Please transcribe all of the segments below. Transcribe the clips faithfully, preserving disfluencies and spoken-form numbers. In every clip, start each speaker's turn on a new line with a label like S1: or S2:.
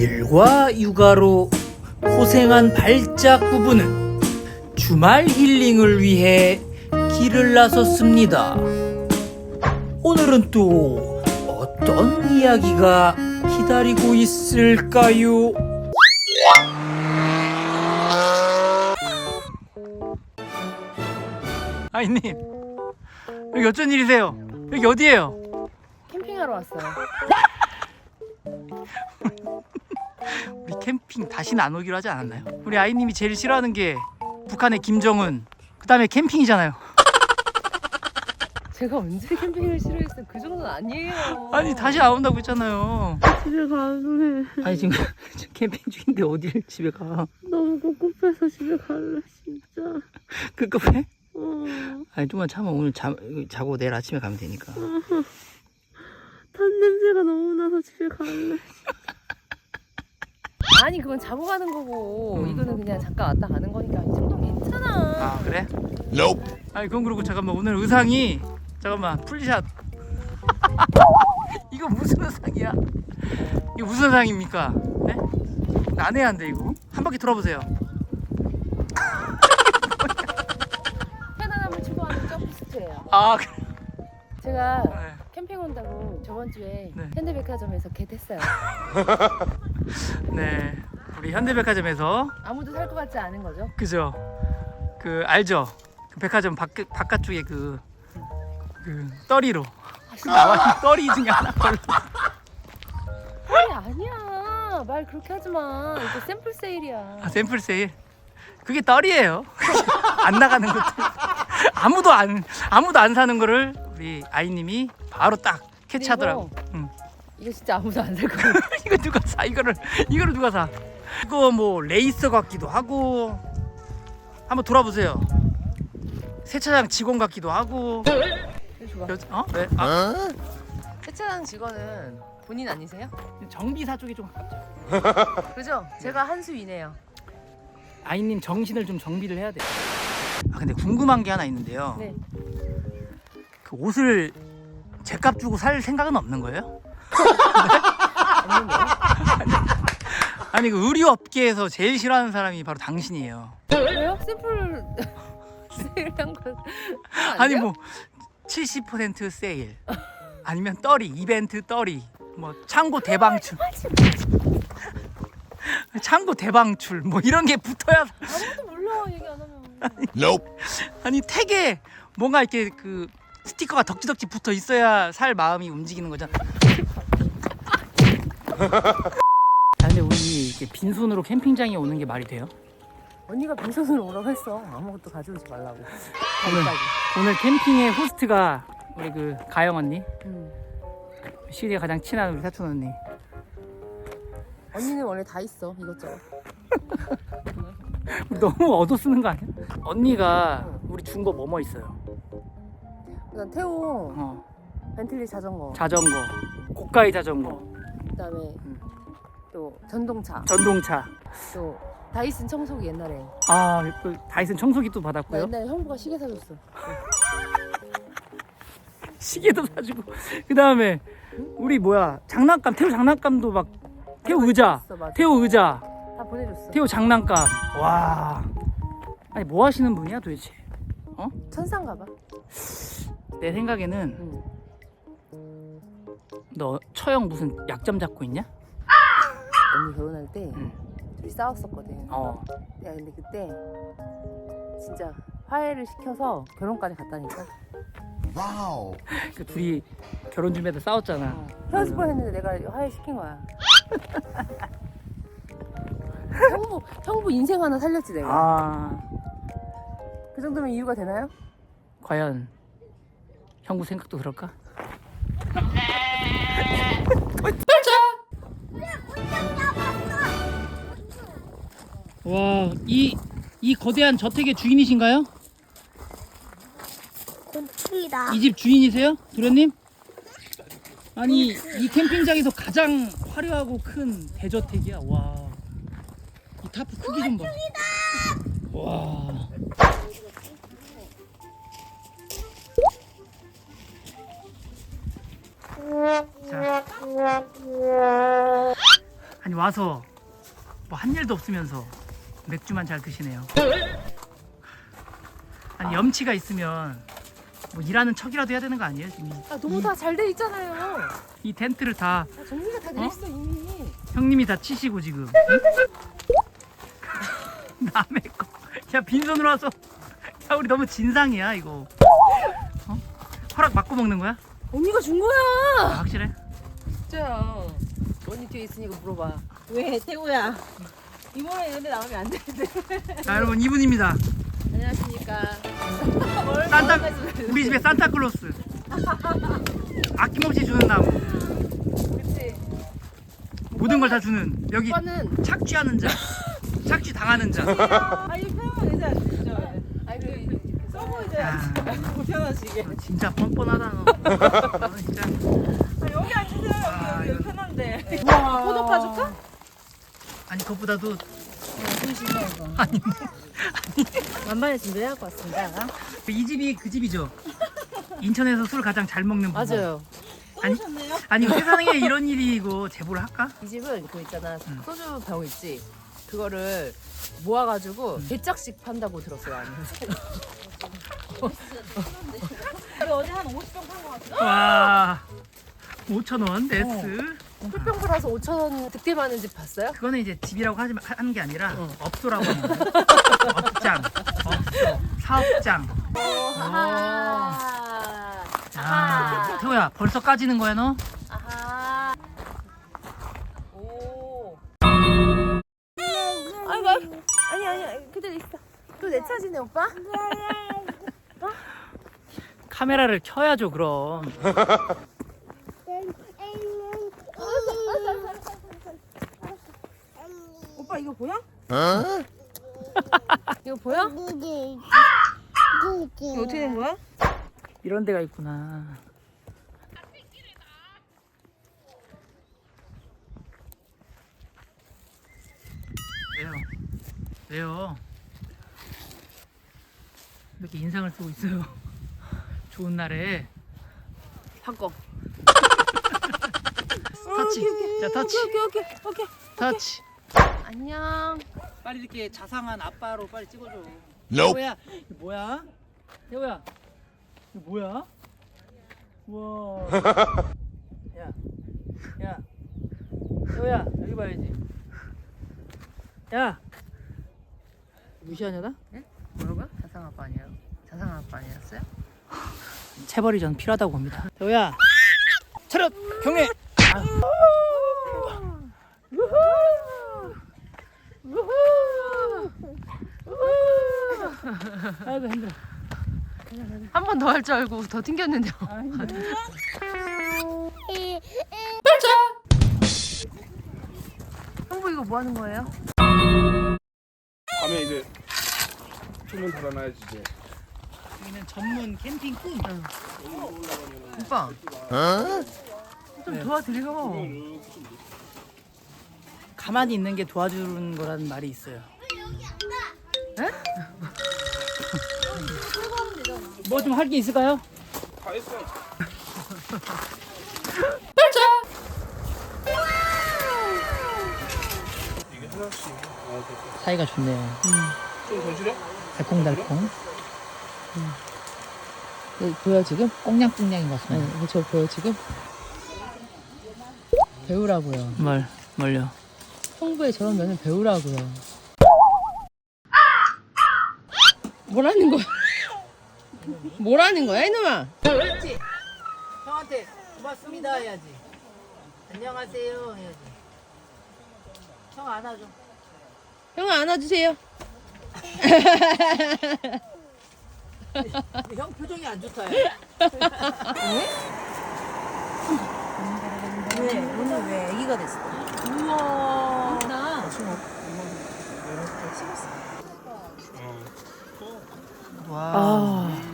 S1: 일과 육아로 고생한 발작 부부는 주말 힐링을 위해 길을 나섰습니다. 오늘은 또 어떤 이야기가 기다리고 있을까요? 아이님, 여기 어쩐 일이세요? 여기 어디예요?
S2: 캠핑하러 왔어요.
S1: 우리 캠핑 다시는 안 오기로 하지 않았나요? 우리 아이님이 제일 싫어하는 게 북한의 김정은, 그 다음에 캠핑이잖아요.
S2: 제가 언제 캠핑을 싫어했어요? 그 정도는 아니에요.
S1: 아니 다시 안 온다고 했잖아요.
S2: 집에 가래.
S1: 아니 지금 캠핑 중인데 어디를 집에 가?
S2: 너무 꿉꿉해서 집에 갈래 진짜.
S1: 급급해?
S2: 어.
S1: 아니 좀만 참아. 오늘 자, 자고 내일 아침에 가면 되니까.
S2: 탄 냄새가 너무 나서 집에 갈래. 아니 그건 자고 가는 거고
S1: 음.
S2: 이거는 그냥 잠깐 왔다 가는 거니까 이 정도는 괜찮아.
S1: 아 그래? Nope. 아니 그건 그렇고 잠깐만, 오늘 의상이 잠깐만 풀샷. 이거 무슨 의상이야? 이거 무슨 의상입니까? 네? 난해한데 이거? 한 바퀴 돌아보세요.
S2: 편안함을 추구하는 점프스트예요.
S1: 아 그래.
S2: 제가
S1: 네.
S2: 캠핑 온다고 저번 주에
S1: 네.
S2: 현대백화점에서 겟했어요.
S1: 네, 우리 현대백화점에서
S2: 아무도 살 것 같지 않은 거죠?
S1: 그죠? 그 알죠? 그 백화점 밖 바깥쪽에 그, 그 떠리로 그 나와 있는 떠리 중에 하나 걸로.
S2: 아니 아니야. 말 그렇게 하지 마. 이거 샘플 세일이야.
S1: 아, 샘플 세일. 그게 떨이에요. 안 나가는 것도. 아무도 안 아무도 안 사는 거를 우리 아이님이 바로 딱 캐치하더라고. 응.
S2: 이거 진짜 아무도 안 살 거야.
S1: 이거 누가 사? 이거를 이거를 누가 사? 이거 뭐 레이서 같기도 하고. 한번 돌아보세요. 세차장 직원 같기도 하고. 여, 어? 네. 아,
S2: 세차장 직원은 본인 아니세요?
S1: 정비사 쪽이 좀 가깝죠.
S2: 그죠? 제가 한 수 위네요.
S1: 아이님 정신을 좀 정비를 해야 돼. 아 근데 궁금한 게 하나 있는데요.
S2: 네.
S1: 그 옷을 제값 주고 살 생각은 없는 거예요?
S2: 없는데요?
S1: 아니 그 의류 업계에서 제일 싫어하는 사람이 바로 당신이에요.
S2: 왜요? 샘플 세일한 거
S1: 아니 뭐 칠십 퍼센트 세일, 아니면 떨이 이벤트 떨이, 뭐 창고 대방출, 창고 대방출 뭐 이런 게 붙어야.
S2: 아무도 몰라 얘기 안 하면.
S1: Nope. 아니 택에 뭔가 이렇게 그 스티커가 덕지덕지 붙어 있어야 살 마음이 움직이는 거잖아. 아 근데 우리 이렇게 빈손으로 캠핑장에 오는 게 말이 돼요?
S2: 언니가 빈손으로 오라고 했어. 아무것도 가져오지 말라고.
S1: 오늘, 오늘 캠핑의 호스트가 우리 그 가영 언니,
S2: 음.
S1: 시리에 가장 친한 우리 사촌 언니.
S2: 언니는 원래 다 있어 이것저것.
S1: 너무 얻어 쓰는 거 아니야? 언니가 우리 준 거 뭐뭐 있어요?
S2: 일단 태호
S1: 어,
S2: 벤틀리 자전거.
S1: 자전거, 고가의 자전거,
S2: 그다음에
S1: 음.
S2: 또 전동차.
S1: 전동차.
S2: 또 다이슨 청소기 옛날에.
S1: 아, 그 다이슨 청소기 또
S2: 나
S1: 받았고요.
S2: 옛날에 형부가 시계 사줬어.
S1: 시계도 사주고. 그 다음에 우리 뭐야 장난감, 태호 장난감도 막 태호 의자,
S2: 있어, 맞아.
S1: 태호 의자,
S2: 다 보내줬어.
S1: 태호 장난감. 와, 아니 뭐 하시는 분이야 도대체? 어?
S2: 천상가 봐.
S1: 내 생각에는
S2: 응.
S1: 너 처형 무슨 약점 잡고 있냐?
S2: 언니 결혼할 때
S1: 응.
S2: 둘이 싸웠었거든.
S1: 어.
S2: 야 근데 그때 진짜 화해를 시켜서 결혼까지 갔다니까.
S3: 와우.
S1: 그 둘이 결혼 준비하다 싸웠잖아.
S2: 어. 헤어질 뻔했는데 내가 화해 시킨 거야. 형부 형부 인생 하나 살렸지 내가.
S1: 아,
S2: 그 정도면 이유가 되나요?
S1: 과연 형부 생각도 그럴까? 와, 이, 이 거대한 저택의 주인이신가요?
S4: 고기다.
S1: 이 집 주인이세요? 도련님? 아니, 이 캠핑장에서 가장 화려하고 큰 대저택이야. 와, 이 타프 크기 좀 봐. 와. 자, 아니 와서 뭐 한 일도 없으면서 맥주만 잘 드시네요. 아니 염치가 있으면 뭐 일하는 척이라도 해야 되는 거 아니에요 지금?
S2: 아 너무 다 잘 돼 있잖아요.
S1: 이 텐트를 다
S2: 아, 정리가 다 돼
S1: 어?
S2: 있어 이미.
S1: 형님이 다 치시고 지금. 남의 거. 야 빈손으로 와서. 야 우리 너무 진상이야 이거. 어? 허락 받고 먹는 거야?
S2: 언니가 준
S1: 아,
S2: 거야.
S1: 확실해?
S2: 진짜야. 언니 뒤에 있으니까 물어봐.
S4: 왜 태우야? 이모랑 연애 나오면 안 되는데.
S1: 자 여러분 이분입니다.
S2: 안녕하십니까.
S1: 산타 우리 집에 산타클로스. 아낌없이 주는 나무.
S2: 그치.
S1: 모든 걸 다 주는 여기
S2: 오빠는
S1: 착취하는 자. 착취 당하는 자.
S4: 아 이거 편하면 되지 않죠?
S2: 아니 그
S4: 써보 이제
S1: 야.
S4: 불편하시게.
S1: 너 진짜 뻔뻔하다 너. 너는 진짜.
S4: 아, 여기 앉으세요.
S1: 아,
S4: 여기, 여기
S1: 이거-
S4: 편한데.
S2: 포도 파줄까?
S1: 아니 그것보다도
S4: 손실해 이거.
S1: 아니 뭐.
S4: 만반의 준비를 해갖고 왔습니다.
S1: 이 집이 그 집이죠. 인천에서 술 가장 잘 먹는 부부.
S2: 맞아요.
S1: 아니
S4: 오셨네요?
S1: 아니 세상에 이런 일이 이거 제보를 할까?
S2: 이 집은 그 있잖아
S1: 응.
S2: 소주 병 있지. 그거를 모아가지고
S1: 응.
S2: 대짝씩 판다고 들었어요. 아니.
S4: 우리 어제 한 오십 병 판 것 같아.
S1: 와 오천 원 네스.
S2: 풀병 팔아서 오천 원 득템하는 집 봤어요?
S1: 그거는 이제 집이라고 하지 마- 하는 게 아니라
S2: 응.
S1: 업소라고 하는 거야. 업장, 업소, 사업장.
S2: 아하.
S1: 아, 태호야 벌써 까지는 거야 너?
S2: 아하.
S4: 오.
S2: 아이고, 아이고. 아니 아니 그대로 있어. 또 내 차지네 오빠?
S1: 카메라를 켜야죠 그럼.
S4: 오빠 이거 보여?
S2: 이거 보여?
S4: 이거 어떻게 된 거야?
S1: 이런 데가 있구나. 왜요? 왜요? 이렇게 인상을 쓰고 있어요. 좋은 날에
S2: 바꿔.
S1: 터치. 자 터치.
S2: 오케이 오케이 오케이.
S1: 터치.
S2: 안녕.
S1: 빨리 이렇게 자상한 아빠로 빨리 찍어줘.
S3: Nope.
S1: 태호야, 이거 뭐야? 태호야, 이거 뭐야? 우와. 야, 야, 태호야, 여기 봐야지. 야, 무시하냐 나?
S2: 뭐라고요? 자상 아빠 아니에요? 자상 아빠 아니었어요?
S1: 체벌이 전 필요하다고 봅니다. 태호야, 차렷, 경례. 아. 아이고 힘들어.
S2: 한 번 더 할 줄 알고 더 튕겼는데요. 형부 이거 뭐 하는 거예요?
S5: 밤에 이제 주문 달아놔야지 이제.
S1: 여기는 전문 캠핑 꿈.
S2: 오빠 좀
S1: 네.
S2: 도와드려.
S1: 가만히 있는 게 도와주는 거라는 말이 있어요. 뭐 좀 할 게 있을까요?
S5: 다 했어. 이게 하나씩. 아, 됐다.
S1: 사이가 좋네요.
S5: 좀더 줄여?
S1: 달콩달콩.
S2: 네, 보여 지금?
S1: 꽁냥꽁냥인 것 같습니다.
S2: 네, 저 보여 지금? 배우라고요.
S1: 뭘, 뭘요?
S2: 형부의 저런 면을 배우라고요. 뭐라는 거야? 뭐라는 거야 이놈아?
S1: 그렇지. 형한테 고맙습니다 해야지. 안녕하세요 해야지. 형 안아줘.
S2: 형 안아주세요.
S1: 형 표정이 안 좋다.
S4: 왜? 오늘 왜 아기가 됐어?
S2: 우와. 나
S1: 와.
S2: 아.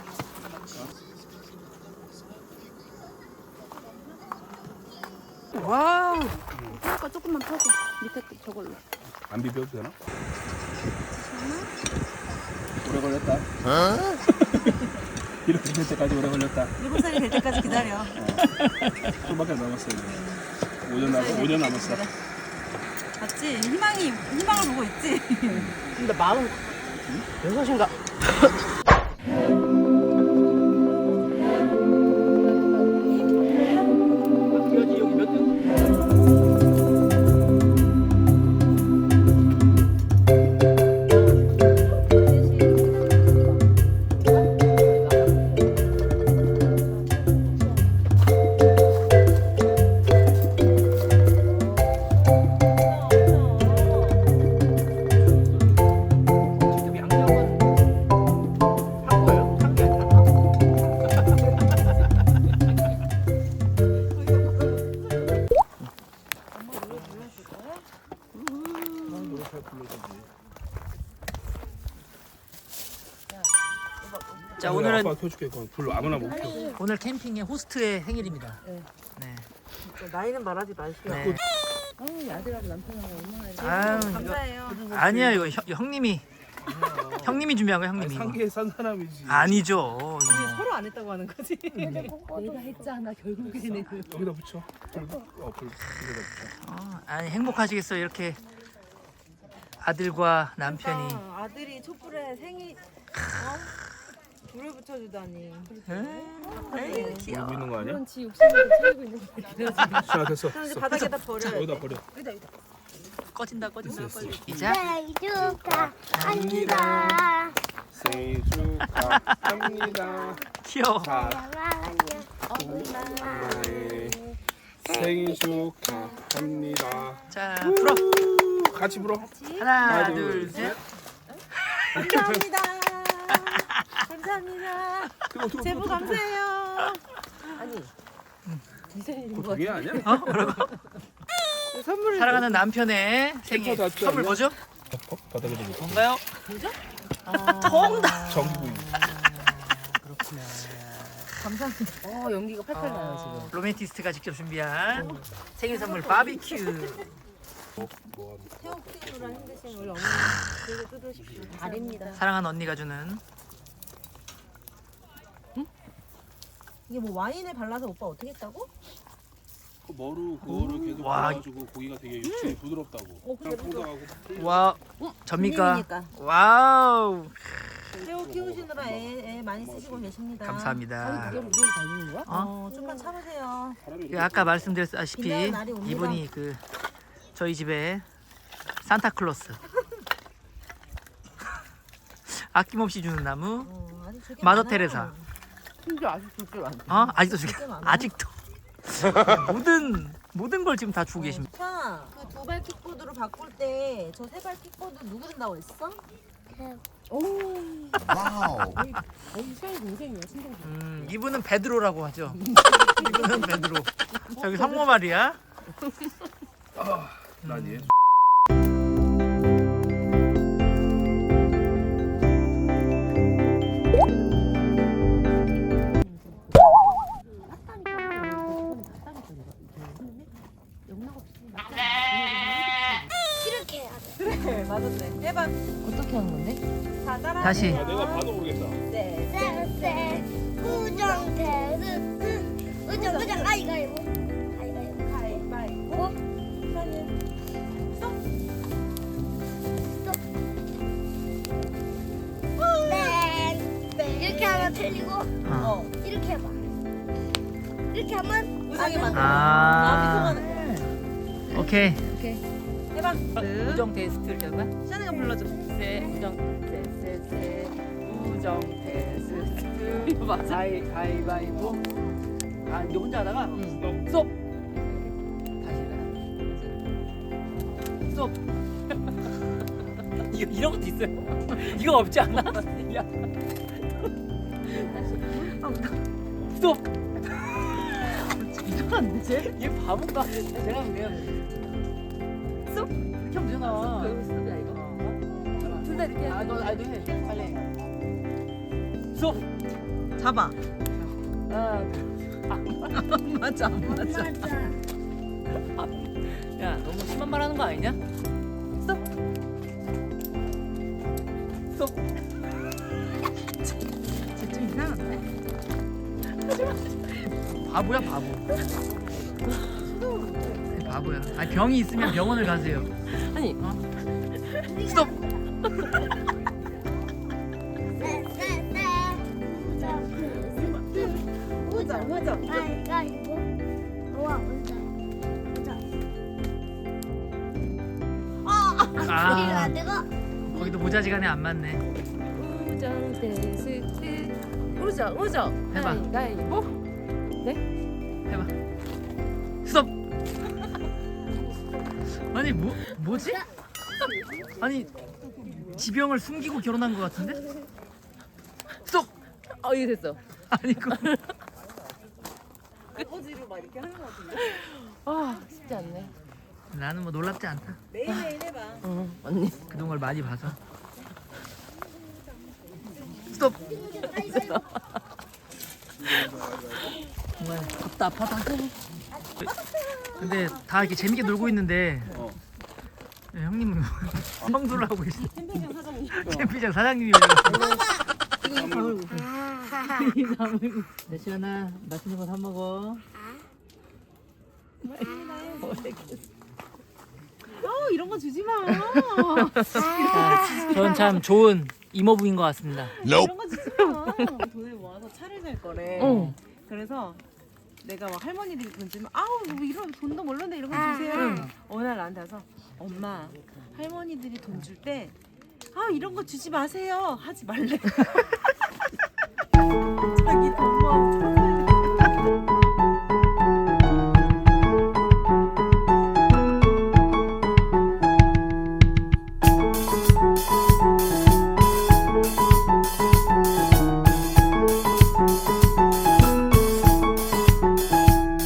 S2: 와우.
S4: 아까 조금만 펴줘. 밑에 저걸로.
S5: 안 비벼도 되나? 오래 걸렸다. 이렇게 될 때까지 오래 걸렸다.
S4: 일곱 살이 될 때까지 기다려.
S5: 좀밖에 안 남았어 이제. 오 년 남 오 년 남았어.
S4: 맞지? 희망이 희망을 보고 있지.
S1: 근데 마음 여섯인가? 여기 여기 몇 등? 지금 양념은 한 거예요? 한게 아니라?
S5: 노래 잘 불러주지.
S1: 자,
S5: 그래,
S1: 오늘은
S5: 아빠 켜줄게. 그거 불러 아무나 못 켜.
S1: 오늘 캠핑의 호스트의 생일입니다.
S2: 네.
S1: 네.
S4: 나이는 말하지 마시고.
S1: 네.
S2: 아우 아들하고 남편하고 얼마나 이렇게.
S1: 아유, 이거
S4: 감사해요.
S1: 아니야 이거 형, 형님이 형님이 준비한 거야
S5: 아니,
S1: 형님이. 이거.
S5: 상계에 산 사람이지.
S1: 아니죠. 이거.
S4: 서로 안 했다고 하는 거지.
S2: 내가 했잖아 결국에는.
S5: 여기다 붙여. 불, 어, 불, 불에다 붙여.
S1: 어, 아니 행복하시겠어요 이렇게 아들과 남편이.
S4: 그러니까 아들이 촛불에 생일 어? 불을 붙여주다니.
S1: 에이, 귀여워.
S5: 울고 있는 거 아니야?
S2: 그런 지 욕심을 채우고 있는 거야.
S5: 자, 됐어.
S4: 그럼 이제
S5: 됐어.
S4: 바닥에다 버려.
S5: 여기다 버려.
S1: 꺼진다 꺼진다
S5: 됐어, 됐어.
S1: 시작.
S6: 생일 축하합니다.
S5: 생일 축하합니다.
S1: 귀여워.
S6: 사랑하는
S5: 엄마의 생일 축하합니다.
S1: 자 풀어.
S5: 같이 불어.
S1: 하나
S5: 하나,
S1: 둘
S5: 둘,
S1: 셋.
S4: 감사합니다. 감사합니다.
S5: 뜨거, 뜨거,
S4: 제보
S5: 뜨거, 뜨거.
S4: 감사해요.
S2: 아니 네 생일인
S5: 그거
S2: 거
S5: 두 개 아니야?
S1: 어 뭐라고?
S4: 선물을
S1: 사랑하는 남편의 생일
S5: 다 줬지
S1: 선물
S5: 않냐?
S1: 뭐죠?
S5: 어? 바닥에다 놓고.
S1: 뭔가요?
S5: 전부.
S2: 감사합니다. 어 연기가 팔팔 나요 지금.
S1: 로맨티스트가 직접 준비한 생일 선물 바비큐.
S5: 뭐, 뭐 하는
S4: 태국으로 힘드신 우리 어머니 그리고 뜯으십시오.
S2: 아닙니다.
S1: 사랑하는 언니가 주는
S4: 이게 뭐 와인에 발라서 오빠 어떻게 했다고?
S5: 그 머루 그거를 계속
S1: 와.
S5: 구워가지고 고기가 되게 육질이 부드럽다고.
S4: 어, 근데
S5: 짱뽕당하고.
S1: 와 접니까?
S4: 손님이니까.
S1: 와우
S4: 태국 키우시느라 애, 애 많이 쓰시고 계십니다.
S1: 감사합니다.
S2: 이걸 우리를 달리는 거야?
S1: 어?
S4: 어, 좀만 참으세요.
S5: 사람이
S1: 그 아까 말씀드렸다시피
S4: 빛나는 날이 옵니다.
S1: 이분이 그 저희 집에 산타클로스 아낌없이 주는 나무
S4: 어, 아직 되게
S1: 마더
S4: 많아요.
S1: 테레사.
S2: 심지어 아직도 줄 안.
S1: 어 아직도 주게
S4: 되게 많아.
S1: 아직도 모든 모든 걸 지금 다 주고 계십니다.
S4: 차, 그 두 발 킥보드로 바꿀 때 저 세 발 킥보드 누구 든다고 했어?
S2: 오.
S3: Wow.
S2: 거의 시간이 동생이야 친구.
S1: 음 이분은 베드로라고 하죠. 이분은 베드로. 저기 성모 말이야.
S5: 난 얘.
S6: 이렇게 해야 돼.
S4: 그래, 맞았네. 해봐.
S2: 어떻게 하는 건데?
S4: 자, 따라.
S1: 다시
S5: 아, 내가 봐도 모르겠다.
S4: 네.
S6: 쎄쎄 우정 테스트 우정 우정 아이가이보 아이가이보
S4: 가위바위보.
S6: 땡 이렇게 하면 틀리고
S1: 어.
S4: 어.
S6: 이렇게 해봐 이렇게 하면
S4: 우정이
S6: 맞아.
S4: 맞아.
S1: 아.
S4: 아, 미소가는 거야.
S1: 오케이.
S4: 해봐.
S1: 우정 테스트 이렇게 하는 거야?
S4: 시안이가 불러줘.
S2: 세 우정 세세세 우정 테스트 이거 맞아?
S1: 가위 가위바위보. 아 이제 혼자 하다가
S2: 응.
S1: 스톱. 다시 해라. 스톱. 이거 이런 것도 있어요. 이거 없지 않아? 야. 스톱.
S2: 이거 안 되지?
S1: 얘 바본가? 제가 하면 돼요. 스톱. 이렇게 하면 되잖아.
S2: 그 스톱이야 이거. 둘 다 이렇게.
S1: 아, 너, 아, 너 해. 빨리 해. 스톱.
S4: 잡아.
S1: 하나,
S4: 맞아, 안 맞아.
S1: 야, 너무 심한 말 하는 거 아니냐? 스톱. 스톱.
S4: 좀 이상한데?
S1: 바보야, 바보. 바보야. 아니 병이 있으면 병원을 가세요.
S2: 아니
S1: 스톱.
S6: 우정 우정 가위바위보. 우와 우정 우정. 아
S1: 아
S6: 내가
S1: 거기도 모자지간에 안 맞네.
S2: 우정 테스트. 우정 우정.
S1: 해봐.
S2: 가위바위보.
S1: 해봐. 스톱. 아니 뭐 뭐지? 아니 지병을 숨기고 결혼한 것 같은데? 스톱.
S2: 어 이게 됐어.
S1: 아니 그
S2: 아 쉽지 않네.
S1: 나는 뭐 놀랍지 않다.
S4: 매일매일 해봐.
S2: 응 언니.
S1: 그동안 걸 많이 봐서. 스톱. 정말 답답하다. 근데 다 이렇게 재밌게 놀고 있는데
S5: 어.
S1: 네, 형님은 청소를 하고 계시.
S4: 캠핑장 사장님.
S1: 캠핑장 사장님이. 내 시연아 맛있는 거 사 먹어.
S4: 어 이런 거 주지 마.
S1: 저는 참 좋은 이모부인 것 같습니다.
S4: 이런 거 주지 마. 돈을 모아서 차를 살 거래.
S2: 응.
S4: 그래서 내가 막 할머니들이 돈 주면 아우 뭐 이런 돈도 몰랐네 이런 거 주세요. 어느 날 나한테 와서 엄마 할머니들이 돈 줄 때 아 이런 거 주지 마세요 하지 말래.